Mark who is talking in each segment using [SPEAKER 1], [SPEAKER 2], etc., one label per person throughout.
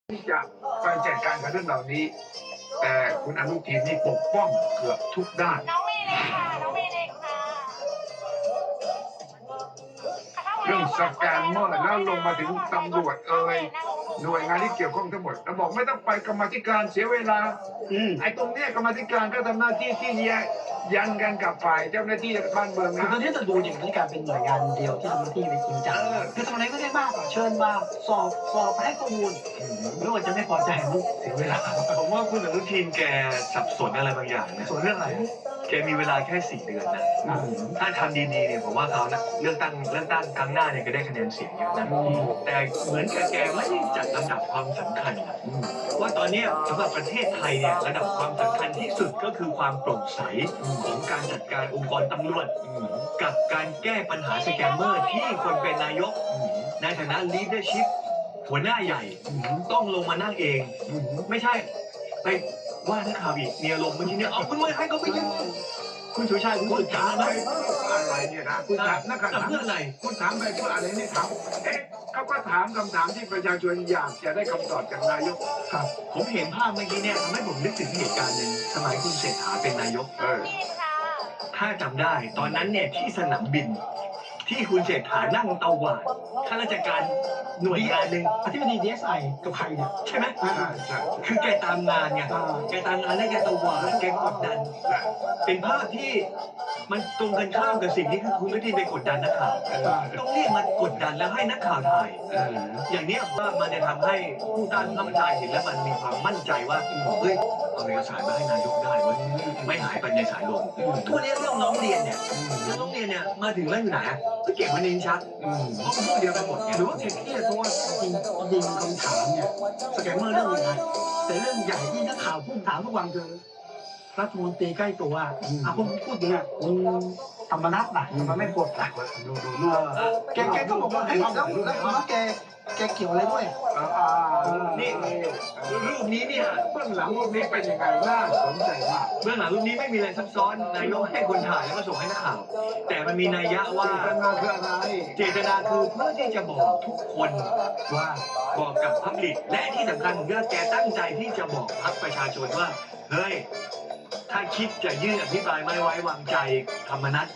[SPEAKER 1] ที่จะไปจัดการกับเรื่องเหล่านี้แต่คุณอนุทินนี่ปกป้องเกือบทุกด้าน
[SPEAKER 2] น้องเมย์เลยค่ะน้องเมย์เลยค่ะ
[SPEAKER 1] เรื่องสแกนเมอร์แล้วลงมาถึงตำรวจหน่วยงานที่เกี่ยวข้องทั้งหมดแล้วบอกไม่ต้องไปกรรมาธิการเสียเวลาไอ้ตรงเนี้ยกรรมาธิการก็ทำหน้าที่ที่ยันกันกับฝ่ายเจ้าหน้าที่บ้านเมือง
[SPEAKER 3] คือ
[SPEAKER 1] นะ
[SPEAKER 3] ตอนนี้จะดูอย่างนี้การเป็นหน่วยงานเดียวที่ทำหน้าที่ไปจริงจังคือทำอะไรก็ได้มากเชิญมาสอบให้ข้อมูลไม่ว่าจะไม่พอใจมันเสียเวลา
[SPEAKER 4] ผมว่าคุณอนุทินแกสับสนอะไรบางอย่างนะ
[SPEAKER 3] ส่วนเรื่องอะไร
[SPEAKER 4] แกมีเวลาแค่4 เดือนนะถ้าทำดีๆเนี่ยผมว่าเขานะเลือกตั้งครั้งหน้าเนี่ยก็ได้คะแนนเสียงเยอะนะแต่เหมือนแกไม่ได้จัดลำดับความสำคัญว่าตอนนี้สำหรับประเทศไทยเนี่ยระดับความสำคัญที่สุดก็คือความโปร่งใสของการจัดการองค์กรตำรวจกับการแก้ปัญหาสแกมเมอร์ที่คนเป็นนายกในฐานะ leadership หัวหน้าใหญ่ต้องลงมานั่งเองไม่ใช่ไปว่านักข่าวอีกมีอารมณ์เมื่อกี้เนี่ยเอาคุณไม่ให้เขาไปยืนคุณสุชัยคุณพูดถามไหม
[SPEAKER 1] อะไรเนี่ยนะคุณถามนักข่าวถาม
[SPEAKER 4] เพื่ออะไร
[SPEAKER 1] คุณถามไปเพื่ออะไรนี่ถามเขาก็ถามคำถามที่ประชาชนอยากจะได้คำตอบจากนายก
[SPEAKER 4] ครับ ผมเห็นภาพเมื่อกี้เนี่ยทำให้ผมนึกถึงเหตุการณ์หนึ่งสมัยคุณเศรษฐาเป็นนายก
[SPEAKER 2] น้องเมย์ค่ะ
[SPEAKER 4] ถ้าจำได้ตอนนั้นเนี่ยที่สนามบิน ที่คุณเศรษฐานั่งเตาหวานข้าราชการหน่วยงานหนึ่ง
[SPEAKER 3] อธิบดี DSI กับใครเนี่ย
[SPEAKER 4] ใช่ไหม
[SPEAKER 1] ใช่ใช่
[SPEAKER 4] คือแกตามงานไงแกตามงานแล้วแกเตาหวานแกกดดัน เป็นภาพที่มันตรงกันข้ามกับสิ่งที่คุณอนุทินไปกดดันนักข่าวต้องเรียกมากดดันแล้วให้นักข่าวถ่ายอย่างนี้ว่ามันจะทำให้ผู้ต้านข้าราชการเห็นแล้วมันมีความมั่นใจว่าเฮ้ยเอาเอกสารมาให้นายกได้เว้ยไม่หายไปในสายลมทุกนี้เรื่องน้องเรียนเนี่ยแล้วน้องเรียนเนี่ยมาถึงแล้วอยู่ไหนก็เก็บไว้ในลิ้นชักเพราะมันพูดเดียวกันหมดไง
[SPEAKER 3] หรือว่าแกเครียดเพราะว่าจริงคำถามเนี่ยสแกมเมอร์เรื่องยังไงแต่เรื่องใหญ่ที่นักข่าวพูดถามทุกวันคือรัฐมนตรีใกล้ตัวผมพูดอย่างเงี้ยธรรมนัสน่ะมันไม่ปวดหลักดูแกก็บอกว่าเฮ้ยแล้วแกเกี่ยวอะไรด้วย
[SPEAKER 4] นี่รูปนี้เนี่ย
[SPEAKER 1] เบื้องหลังพวกนี้เป็นยังไงน่าสนใจมาก
[SPEAKER 4] เบื้องหลังรูปนี้ไม่มีอะไรซับซ้อนนายกให้คนถ่ายแล้วก็ส่งให้นักข่าวแต่มันมีนัยยะว่า
[SPEAKER 1] เจตนาคืออะไร
[SPEAKER 4] เจตนาคือเพื่อที่จะบอกทุกคนว่าบอกกับพับลิกและที่สำคัญผมว่าแกตั้งใจที่จะบอกพรรคประชาชนว่าเฮ้ยถ้าคิดจะยื่นอภิปรายไม่ไว้วางใจธรรมนัส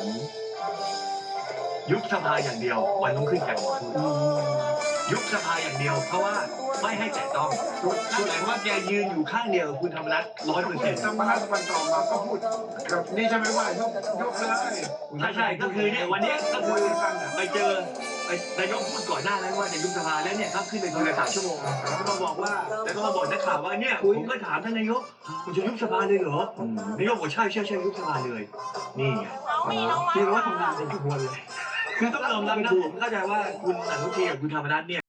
[SPEAKER 4] ยุบสภาอย่างเดียววันต้องขึ้นกันยุบสภาอย่างเดียวเพราะว่าไม่ให้แตะต้องนั่นหมายว่าแกยืนอยู่ข้างเดียวกับคุณธรรมนัส100%
[SPEAKER 1] ธรรมนัสวันต่อมาก็พูดกับนี่ใช่ไหมว่ายกเลย
[SPEAKER 4] ใช่ก็คือเนี่ยวันนี้ก็คือไปเจอนายกพูดก่อนหน้านั้นว่าจะยุบสภาแล้วเนี่ยครับขึ้นไปคุยกัน3 ชั่วโมงแล้วก็มาบอกว่าแล้วก็มาบอกนักข่าวว่าเนี่ยผมก็ถามท่านนายกคุณจะยุบสภาเลยเหรอนายกบอกใช่ยุบสภาเลยนี่ไง
[SPEAKER 2] น้องเมย์น้อง
[SPEAKER 3] เรียกว่าทำงานเป็นขบวนเลย
[SPEAKER 4] คือต้องยอมรับนะผมเข้าใจว่าคุณอนุทินกับคุณธรรมนัสเนี่ย